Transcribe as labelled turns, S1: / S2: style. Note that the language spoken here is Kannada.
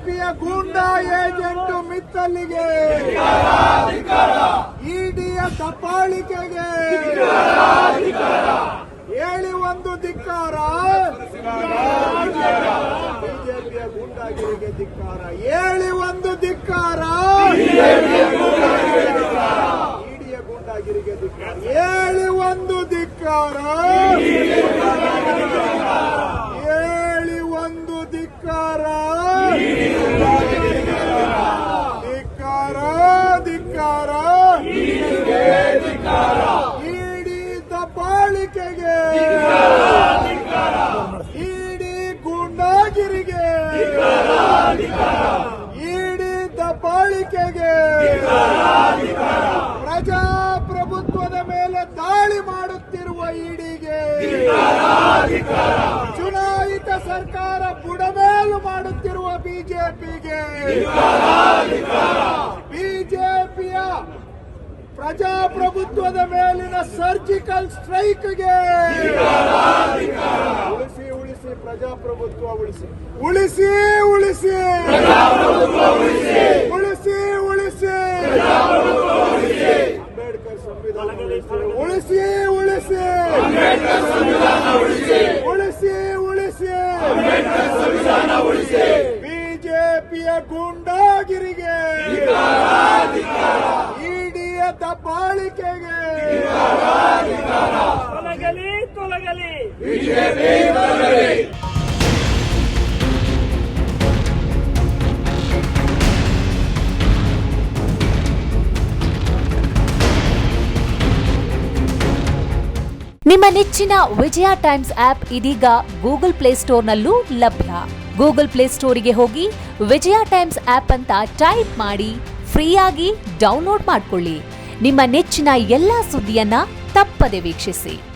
S1: ಬಿಜೆಪಿಯ ಗೂಂಡಾ ಏಜೆಂಟ್ ಮಿತ್ತಲ್ಲಿಗೆ, ಇಡಿಯ ದಬ್ಬಾಳಿಕೆಗೆ ಹೇಳಿ ಒಂದು ಧಿಕ್ಕಾರ, ಬಿಜೆಪಿಯ ಗೂಂಡಾಗಿರಿಗೆ ಧಿಕ್ಕಾರ, ಹೇಳಿ ಒಂದು ಧಿಕ್ಕಾರ, ಇಡಿಯ ಗೂಂಡಾಗಿರಿಗೆ ಧಿಕ್ಕಾರ, ಹೇಳಿ ಒಂದು ಧಿಕ್ಕಾರ, ಹೇಳಿ ಒಂದು ಧಿಕ್ಕಾರ, ಧಿಕ್ಕಾರ ಧಿಕ್ಕಾರ, ಇಡಿ ದಬ್ಬಾಳಿಕೆಗೆ, ಇಡಿ ಗೂಂಡಾಗಿರಿಗೆ, ಇಡಿ ದಬ್ಬಾಳಿಕೆಗೆ, ಪ್ರಜಾಪ್ರಭುತ್ವದ ಮೇಲೆ ದಾಳಿ ಮಾಡುತ್ತಿರುವ ಇಡಿಗೆ, ಚುನಾಯಿತ ಸರ್ಕಾರ ಬುಡಮೇಲು ಮಾಡುತ್ತಿರುವ ಬಿಜೆಪಿಗೆ, ಬಿಜೆಪಿಯ ಪ್ರಜಾಪ್ರಭುತ್ವದ ಮೇಲಿನ ಸರ್ಜಿಕಲ್ ಸ್ಟ್ರೈಕ್ಗೆ, ಉಳಿಸಿ ಉಳಿಸಿ ಪ್ರಜಾಪ್ರಭುತ್ವ ಉಳಿಸಿ, ಉಳಿಸಿ ಉಳಿಸಿ ಉಳಿಸಿ ಉಳಿಸಿ ಅಂಬೇಡ್ಕರ್ ಸಂವಿಧಾನ ಉಳಿಸಿ, ಉಳಿಸಿ ಉಳಿಸಿ ಬಿಜೆಪಿಯ ಗೂಂಡಾಗಿರಿಗೆ, ಇಡಿಯ ದಬ್ಬಾಳಿಕೆಗೆ
S2: ತೊಲಗಲಿ ತೊಲಗಲಿ.
S3: ನಿಮ್ಮ ನೆಚ್ಚಿನ ವಿಜಯ ಟೈಮ್ಸ್ ಆಪ್ ಇದೀಗ ಗೂಗಲ್ ಪ್ಲೇಸ್ಟೋರ್ನಲ್ಲೂ ಲಭ್ಯ. ಗೂಗಲ್ ಪ್ಲೇಸ್ಟೋರಿಗೆ ಹೋಗಿ ವಿಜಯ ಟೈಮ್ಸ್ ಆಪ್ ಅಂತ ಟೈಪ್ ಮಾಡಿ ಫ್ರೀಯಾಗಿ ಡೌನ್ಲೋಡ್ ಮಾಡಿಕೊಳ್ಳಿ. ನಿಮ್ಮ ನೆಚ್ಚಿನ ಎಲ್ಲಾ ಸುದ್ದಿಯನ್ನ ತಪ್ಪದೆ ವೀಕ್ಷಿಸಿ.